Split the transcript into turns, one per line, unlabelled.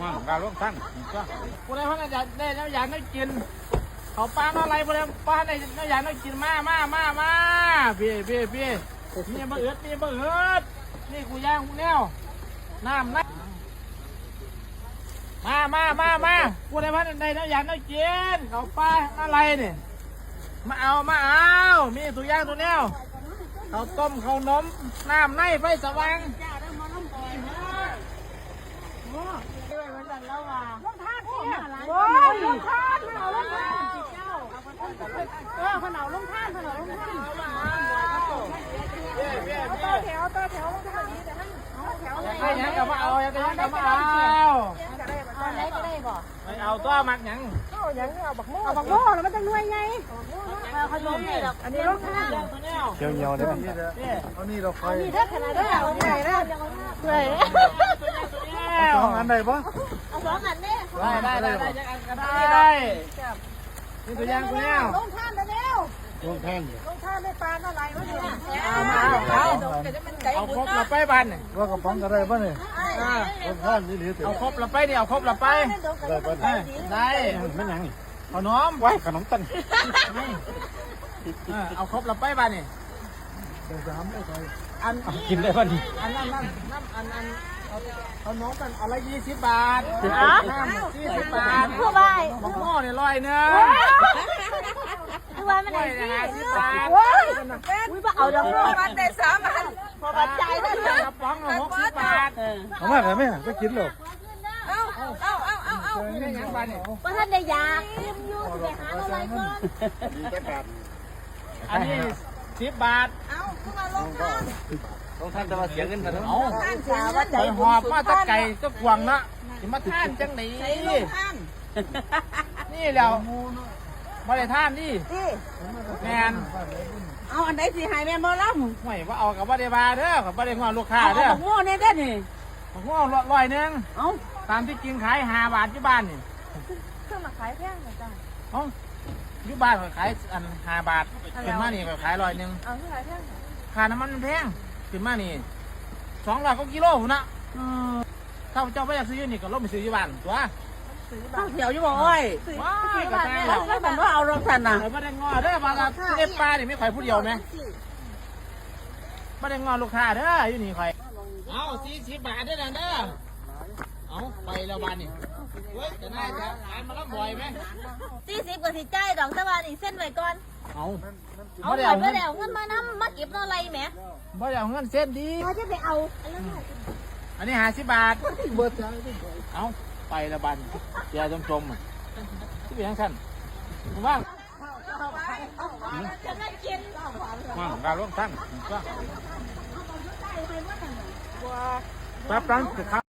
การร่วมทั้งผู้ใดเขาอยากได้อยากได้กินเขาปลาอะไรผู้ใดปลาได้อยากได้กินมาพี่นี่บะเอิดนี่กูย่างกูแนวน้ำนะมาผู้ใดเขาได้อยากได้กินเขาปลาอะไรเนี่ยมาเอามีตัวย่างตัวแนวเขาต้มเขานมน้ำในไฟสว่าง
โอ้ยลงท่านขนาดลงท่านขนาดลงท่านต่อแถวลงท่านนี้แต่ท่านแถวอะไร
อยากได้ยังก็มาเอาอยากได้ยังก็มาเอา
อะไรก็ได้บ่
ไม่เอาตัวมักยัง
เอาบักโม่แล้วมันจะรวยไงขนมนี่ดอกอันนี้ลงท่าน
เกี่ยวเงียวเลยเอานี่เราไฟ
นี่ถ้าขนาดได้เอาไหนนะเลย
สองอันได้ปะ
เอาสองอันนี่
ได้ได้นี่ตัวย่างกูแนว
ลงท่านเร็ว
ลงแท่ง
ลงท่านได้ปลาอะไรวะเนี่ย
เอาครบละไปบ้านนี่
ว่ากระป๋องอะไรบ้างเนี่ยรสชาตินี่หรือ
เอาครบละไปนี่เอาครบละไปได้ไม่ยังขนมไว้ขนมตันเอาครบละไปบ้านนี่อันกินได้ป่ะนี่อันนั้นขนมกันอะไร20 บาท20 บาท
ทั่วไป
มะม่วงเนี่ย100นึง
ทั่วไปมันไหนสิ
50 บาท
อุ้ยมาเอาดอกมันได้3 อันพอปัจจัยได้
กระป๋องละ60 บาท
เอามาแต่ไม่หาก็กินหรอก
ไม่ยังบ้านนี่
ว่าท่านได้อยากเตรียมอยู่จะไปหาอะไรก่อน
อันนี้10 บาท
เอาขึ้นมาลงท่าน
ต้องท่านจะมาเสียเงินกันเนาะ
เอา
ท่านสาว่าใจ
ไปหอบมาตะไก่ก็กวางนะจะมาท่านจังไหนนี่แล้วมาได้ท่านดิแมน
เอาอันไหนสิหายแม่บ่ล่ำ
ห่วยว่าเอากับว่าได้บาเด้อกับว่าได้งอนลูกค้า
เอา
เด้อ
โง่เนี่ยได้นี่
หัว100นึง
เอา
ตามที่กินขาย5 บาทที่บ้านนี่
เครื่องมาขายแพงนะจ้ะ
เอ้าอยู่บ้านขายอัน5 บาทขึ้นมานี่ก็ขาย100นึง
เอาที่ขายแพง
ค่าน้ำมันมันแพงขึ้นมานี่200 กว่ากิโลหุ่นนะถ้าเจ้าไม่อยากซื้อนี่ก็ลบไปซื้ออยู่บ้านตัว
ข้าวเขียวอยู่บ่อ้อย
ว้ายกระจายแล้ว
แล้วมันว่าเอารองทันน่ะ
ไม่ได้งอเด้อมาเก็บปลานี่ไม่ข่อยผู้เดียวไหมไม่ได้งอลูกค้าเด้ออยู่นี่ข่อยเอา40 บาทเด้อเด้อเอาไปแล้วบ้านนี่เฮ้ยจะน่าจะขายมาแล้วบ่อยไหม
40กว่าสิจ่ายดอกแต่ว่านี่เส้นไว้ก่อน
เอา
เอา
ไม่
ไว้
ได้เอา
เพื่อเดี๋ยวเงินมานำมาเก็บเนาะอะไรแหม
ไม่ได้เอาเงินเส้นดี
เราจะไปเอา
อันนี้50 บาทเอาไปแล้วบ้านเดี๋ยวจมที่เป็นยังสั้นว่าง
จะได้กิน
ว่างการร่วมทั้งก็แป๊บนึง